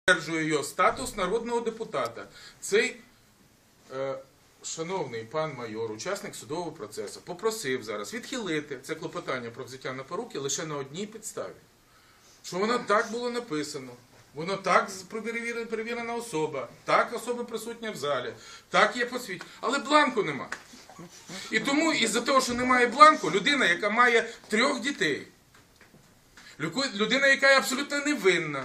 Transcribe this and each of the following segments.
підтверджує його статус народного депутата. Цей шановний пан майор, учасник судового процесу, попросив зараз відхилити це клопотання про взяття на поруки лише на одній підставі. Що воно так було написано, воно так перевірена особа, так особа присутня в залі, так є посвідчення, але бланку нема. І тому, із-за того, що немає бланку, людина, яка має 3 дітей, людина, яка є абсолютно невинна,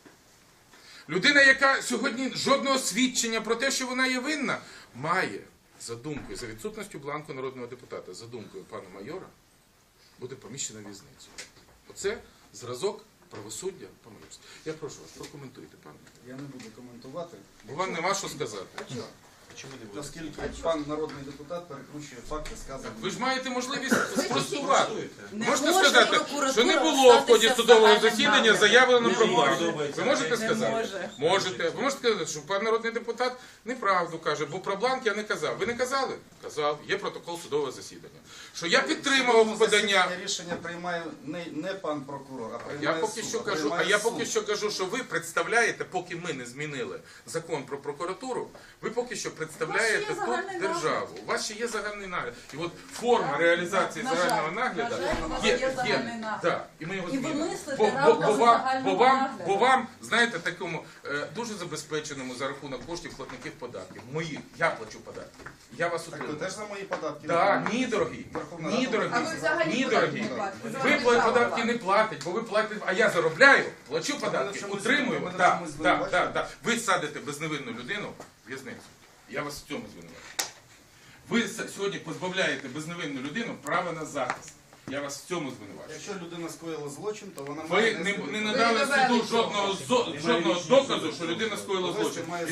людина, яка сьогодні жодного свідчення про те, що вона є винна, має, за думкою, за відсутністю бланку народного депутата, за думкою пана майора, буде поміщена в в'язницю. Оце зразок правосуддя по-майорськи. Я прошу вас, прокоментуйте, пане. Я не буду коментувати. Бо вам нема що сказати. Оскільки пан народний депутат перекручує факти, сказані. Ви ж маєте можливість спростувати. Не Можете може сказати, прокуратура що не було в ході встатися судового в загальному засідання нагляді. заявлено про Не бланк. може. Ви можете Не сказати? може. Можете. Ви можете сказати, що пан народний депутат неправду каже, бо про бланк я не казав. Ви не казали? Казав. Є протокол судового засідання. Що я підтримував подання. Рішення приймає не пан прокурор, а Я приймає поки суд. що кажу, а я поки що кажу, що ви представляєте, поки ми не змінили закон про прокуратуру, ви поки що представляєте У вас ще є тут загальний державу. У вас ще є загальний нагляд. І от форма реалізації На жаль, загального нагляду на жаль, у вас є загальний нагляд. да, і ми його І ви змінимо. мислите равно за загального нагляду. Бо вам, знаєте, такому дуже забезпеченому за рахунок коштів платників податків. Моїх, я плачу податки. Я вас Так ви утримую. теж за мої податки? Так, ні, дорогі. Верховна Ні, Рада дорогі. А ви взагалі Ні, податки дорогі. не платите. Ви податки не платите, бо ви платите, а я заробляю, плачу податки, чомусь- утримую. мене в Так, чомусь так, звинувачуєте? так. Ви садите безневинну людину в в'язницю. Я вас в цьому звинувачую. Ви сьогодні позбавляєте безневинну людину права на захист. Я вас в цьому звинувачую. Якщо людина скоїла злочин, то вона Ви має не надали суду жодного доказу, що людина скоїла злочин. І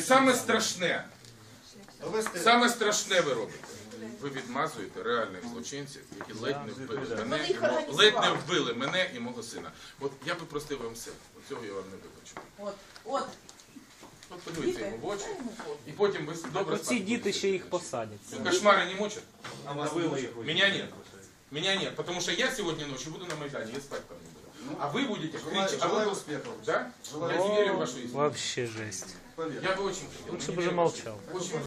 саме страшне ви робите. Ви відмазуєте реальних злочинців, які ледь не вбили мене, їх ледь не вбили мене і мого сина. От я би простив вам все. Цього я вам не вибачу. От. От подивіться йому в очі, і потім ви добре Ці спати діти будете. ще їх посадять. Кошмари не мучат? А вас не мучить? Меня нет. Меня нет, потому что я сегодня ночью буду на Майдане, я спать там не буду. А вы будете кричать. Желаю успехов. Да? Желаю Я верю в вашу истину. Вообще жесть. Поверь. Я бы очень хотел. Лучше но бы не уже верю в вашу молчал. истину. Очень